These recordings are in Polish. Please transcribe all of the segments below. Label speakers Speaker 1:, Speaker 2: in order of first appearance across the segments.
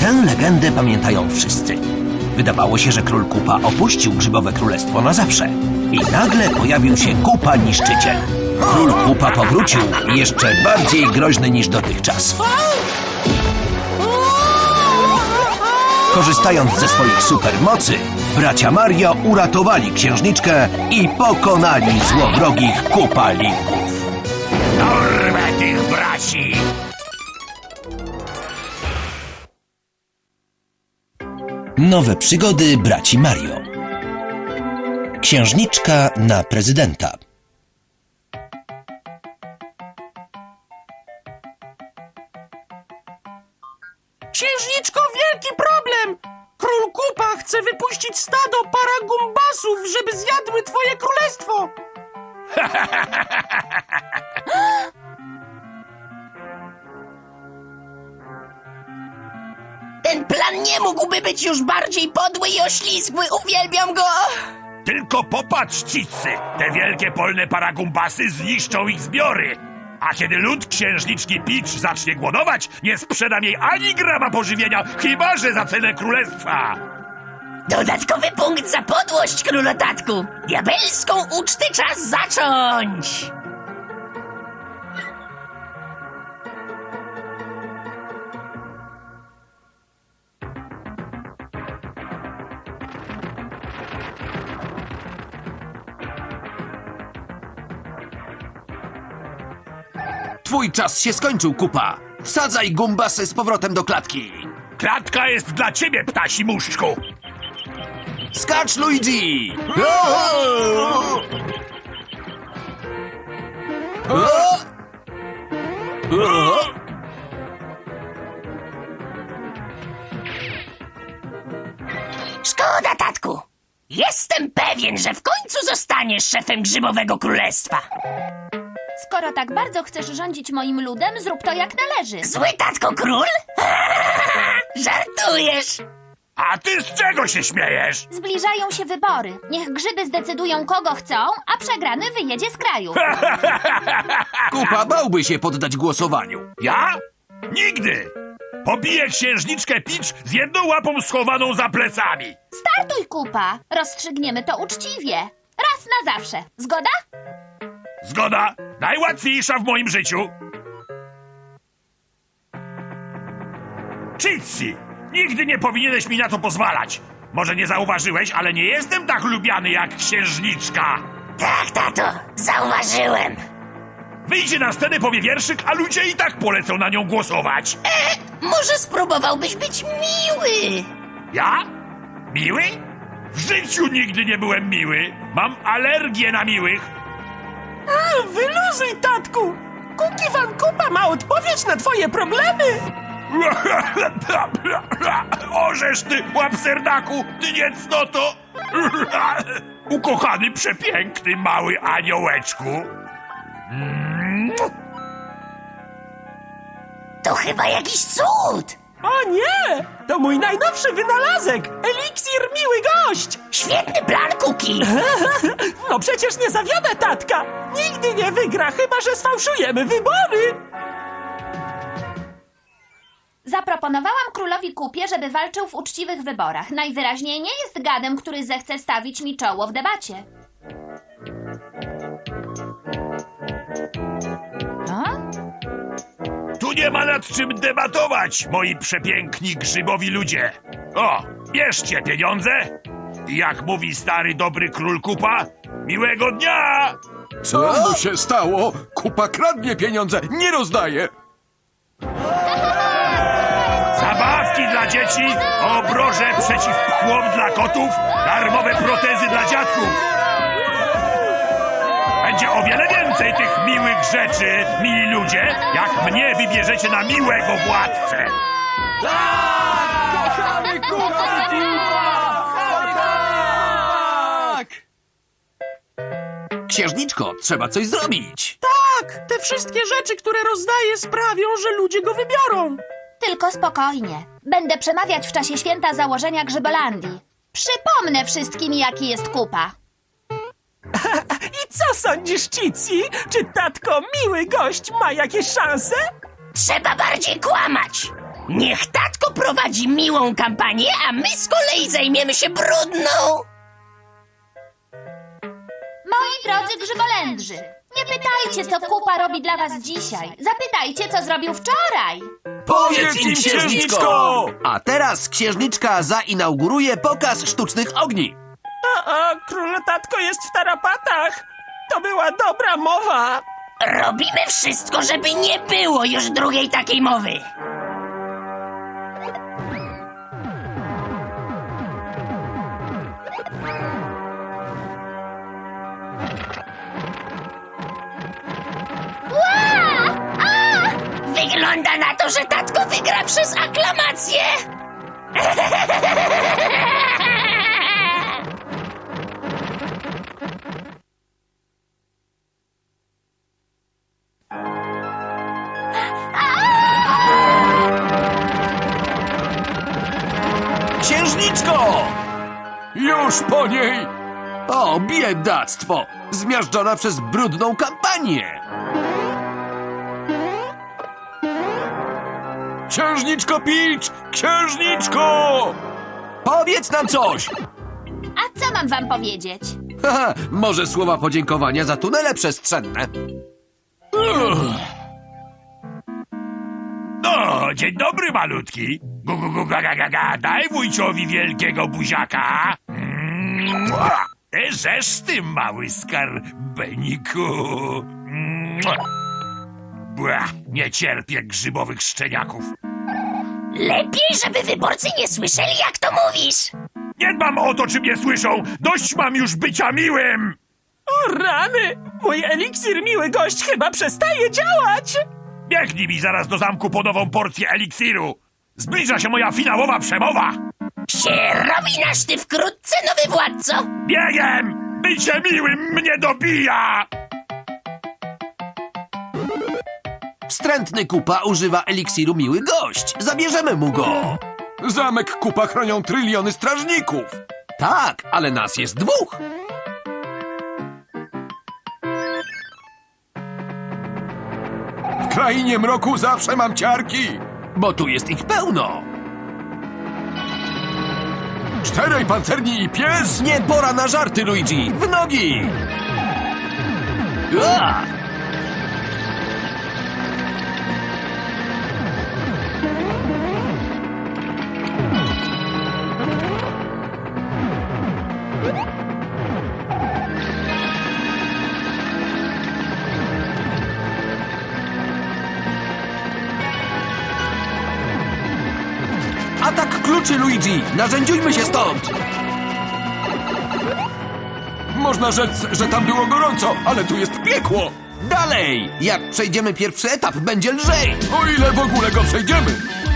Speaker 1: Tę legendę pamiętają wszyscy. Wydawało się, że król Kupa opuścił Grzybowe Królestwo na zawsze. I nagle pojawił się Kupa Niszczyciel. Król Kupa powrócił jeszcze bardziej groźny niż dotychczas. Korzystając ze swoich supermocy, bracia Mario uratowali księżniczkę i pokonali złowrogich Kupalików.
Speaker 2: Dorwę tych braci!
Speaker 1: Nowe przygody braci Mario. Księżniczka na prezydenta.
Speaker 3: Księżniczko, wielki problem! Król Kupa chce wypuścić stado paragumbasów, żeby zjadły twoje królestwo!
Speaker 4: Ten plan nie mógłby być już bardziej podły i oślizgły. Uwielbiam go!
Speaker 2: Tylko popatrz, Cicy! Te wielkie polne paragumbasy zniszczą ich zbiory! A kiedy lud księżniczki Peach zacznie głodować, nie sprzedam jej ani grama pożywienia, chyba że za cenę królestwa!
Speaker 4: Dodatkowy punkt za podłość, królotatku! Diabelską ucztę czas zacząć!
Speaker 1: Twój czas się skończył, Kupa. Wsadzaj gumbasy z powrotem do klatki.
Speaker 2: Klatka jest dla ciebie, ptasi muszczku!
Speaker 1: Skacz, Luigi!
Speaker 4: Szkoda, tatku! Jestem pewien, że w końcu zostaniesz szefem Grzybowego Królestwa.
Speaker 5: Skoro tak bardzo chcesz rządzić moim ludem, zrób to jak należy.
Speaker 4: Zły tatko król? Żartujesz!
Speaker 2: A ty z czego się śmiejesz?
Speaker 5: Zbliżają się wybory. Niech grzyby zdecydują, kogo chcą, a przegrany wyjedzie z kraju.
Speaker 1: Kupa bałby się poddać głosowaniu.
Speaker 2: Ja? Nigdy! Pobiję księżniczkę Peach z jedną łapą schowaną za plecami!
Speaker 5: Startuj, Kupa. Rozstrzygniemy to uczciwie. Raz na zawsze. Zgoda?
Speaker 2: Zgoda! Najłatwiejsza w moim życiu! Citsy! Nigdy nie powinieneś mi na to pozwalać! Może nie zauważyłeś, ale nie jestem tak lubiany jak księżniczka!
Speaker 4: Tak, tato, zauważyłem.
Speaker 2: Wyjdzie na scenę, powie wierszyk, a ludzie i tak polecą na nią głosować!
Speaker 4: Może spróbowałbyś być miły?
Speaker 2: Ja? Miły? W życiu nigdy nie byłem miły! Mam alergię na miłych!
Speaker 3: Wyluzuj, tatku! Kuki Van Kupa ma odpowiedź na twoje problemy!
Speaker 2: Orzesz ty, łapserdaku, ty niecnoto! Ukochany, przepiękny, mały aniołeczku!
Speaker 4: To chyba jakiś cud!
Speaker 3: O nie! To mój najnowszy wynalazek! Eliksir Miły Gość!
Speaker 4: Świetny plan, Kuki!
Speaker 3: No przecież nie zawiodę tatka! Nigdy nie wygra, chyba że sfałszujemy wybory!
Speaker 5: Zaproponowałam królowi Kupie, żeby walczył w uczciwych wyborach. Najwyraźniej nie jest gadem, który zechce stawić mi czoło w debacie. A?
Speaker 2: Tu nie ma nad czym debatować, moi przepiękni grzybowi ludzie! O, bierzcie pieniądze! I jak mówi stary dobry król Kupa, miłego dnia!
Speaker 6: Co mu się stało? Kupa kradnie pieniądze, nie rozdaje.
Speaker 2: Zabawki dla dzieci, obroże przeciw pchłom dla kotów, darmowe protezy dla dziadków. Będzie o wiele więcej tych miłych rzeczy, mili ludzie, jak mnie wybierzecie na miłego władcę.
Speaker 6: Kochamy Kupa! Tak!
Speaker 1: Księżniczko, trzeba coś zrobić.
Speaker 3: Tak, te wszystkie rzeczy, które rozdaje, sprawią, że ludzie go wybiorą.
Speaker 5: Tylko spokojnie. Będę przemawiać w czasie święta założenia Grzybolandii. Przypomnę wszystkim, jaki jest Kupa.
Speaker 3: I co sądzisz, Cici? Czy tatko Miły Gość ma jakieś szanse?
Speaker 4: Trzeba bardziej kłamać! Niech tatko poprowadzi miłą kampanię, a my z kolei zajmiemy się brudną.
Speaker 5: Moi drodzy grzybolędrzy, nie pytajcie, co Kupa robi dla was dzisiaj. Zapytajcie, co zrobił wczoraj.
Speaker 1: Powiedz im,
Speaker 6: księżniczko!
Speaker 1: A teraz księżniczka zainauguruje pokaz sztucznych ogni.
Speaker 3: Król tatko jest w tarapatach. To była dobra mowa.
Speaker 4: Robimy wszystko, żeby nie było już drugiej takiej mowy. Wygląda na to, że tatko wygra przez aklamację.
Speaker 1: Księżniczko!
Speaker 6: Już po niej!
Speaker 1: O, biedactwo! Zmiażdżona przez brudną kampanię!
Speaker 6: Księżniczko Peach! Księżniczko!
Speaker 1: Powiedz nam coś!
Speaker 5: A co mam wam powiedzieć?
Speaker 1: Haha, może słowa podziękowania za tunele przestrzenne?
Speaker 2: No, dzień dobry, malutki. Ga, daj wujciowi wielkiego buziaka. Żeż ty, mały skarbeniku. Nie cierpię grzybowych szczeniaków.
Speaker 4: Lepiej, żeby wyborcy nie słyszeli, jak to mówisz.
Speaker 2: Nie dbam o to, czy mnie słyszą. Dość mam już bycia miłym.
Speaker 3: O rany! Mój eliksir miły gość chyba przestaje działać.
Speaker 2: Biegnij mi zaraz do zamku po nową porcję eliksiru. Zbliża się moja finałowa przemowa.
Speaker 4: Się robi na szty wkrótce, nowy władco.
Speaker 2: Biegiem! Bycie miłym mnie dobija!
Speaker 1: Wstrętny Kupa używa eliksiru Miły Gość. Zabierzemy mu go.
Speaker 6: Zamek Kupa chronią tryliony strażników!
Speaker 1: Tak, ale nas jest dwóch.
Speaker 6: W krainie mroku zawsze mam ciarki!
Speaker 1: Bo tu jest ich pełno.
Speaker 6: 4 pancerni i pies!
Speaker 1: Nie pora na żarty, Luigi. W nogi! Ua! Atak kluczy, Luigi! Narzędziujmy się stąd!
Speaker 6: Można rzec, że tam było gorąco, ale tu jest piekło!
Speaker 1: Dalej! Jak przejdziemy pierwszy etap, będzie lżej!
Speaker 6: O ile w ogóle go przejdziemy!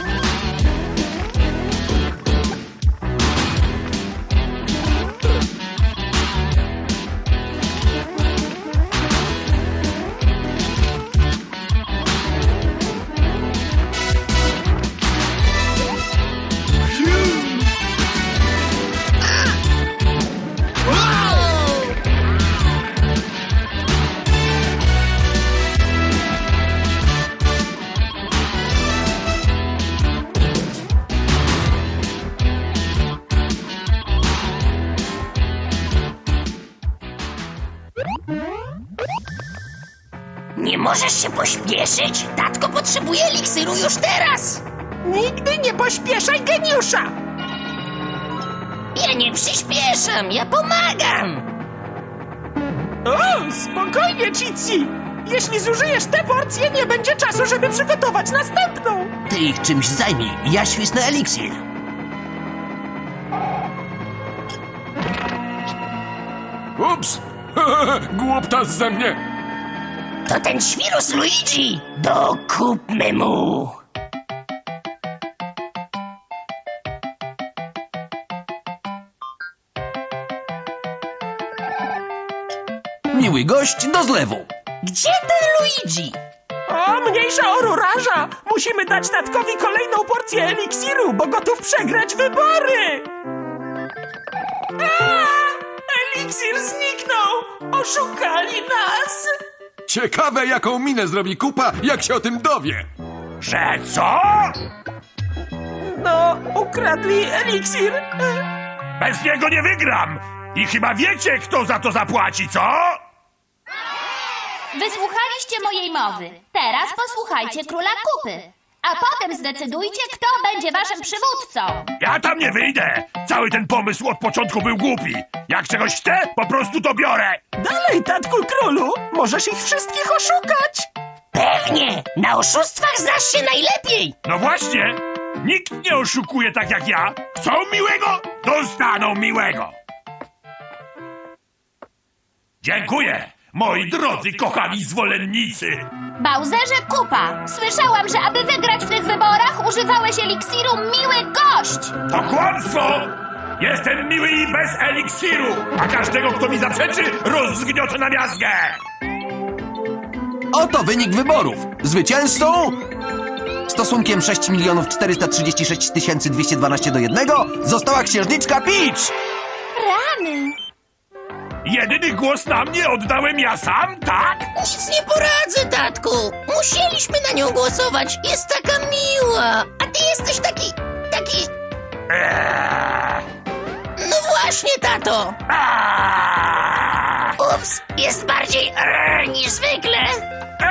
Speaker 4: Nie możesz się pośpieszyć? Tatko potrzebuje eliksiru już teraz.
Speaker 3: Nigdy nie pośpieszaj geniusza.
Speaker 4: Ja nie przyspieszam, ja pomagam.
Speaker 3: O, spokojnie, Cici. Jeśli zużyjesz tę porcję, nie będzie czasu, żeby przygotować następną.
Speaker 1: Ty ich czymś zajmij, ja świsnę eliksir.
Speaker 6: Ups! Głuptas ze mnie!
Speaker 4: To ten świrus Luigi. Dokupmy mu.
Speaker 1: Miły gość do zlewu.
Speaker 4: Gdzie ten Luigi?
Speaker 3: O, mniejsza o rurarza. Musimy dać tatkowi kolejną porcję eliksiru, bo gotów przegrać wybory. Eliksir zniknął. Oszukali nas.
Speaker 6: Ciekawe, jaką minę zrobi Kupa, jak się o tym dowie!
Speaker 2: Że co?
Speaker 3: No, ukradli eliksir.
Speaker 2: Bez niego nie wygram! I chyba wiecie, kto za to zapłaci, co?
Speaker 5: Wysłuchaliście mojej mowy. Teraz posłuchajcie króla kupy. A potem zdecydujcie, kto będzie waszym przywódcą.
Speaker 2: Ja tam nie wyjdę! Cały ten pomysł od początku był głupi. Jak czegoś chcę, po prostu to biorę.
Speaker 3: Dalej, tatku królu, możesz ich wszystkich oszukać.
Speaker 4: Pewnie! Na oszustwach znasz się najlepiej!
Speaker 2: No właśnie! Nikt nie oszukuje tak jak ja. Chcą miłego? Dostaną miłego. Dziękuję, moi drodzy, kochani zwolennicy.
Speaker 5: Bowserze Kupa, słyszałam, że aby wygrać w tych wyborach używałeś eliksiru Miły Gość.
Speaker 2: To kłamstwo! Jestem miły i bez eliksiru, a każdego, kto mi zaprzeczy, rozgniotę na miazgę.
Speaker 1: Oto wynik wyborów. Zwycięzcą stosunkiem 6 436 212 do 1 została księżniczka Peach.
Speaker 5: Rany.
Speaker 2: Jedyny głos na mnie oddałem ja sam, tak?
Speaker 4: Nic nie poradzę, tatku! Musieliśmy na nią głosować. Jest taka miła. A ty jesteś taki... No właśnie, tato! Ups, jest bardziej niż zwykle.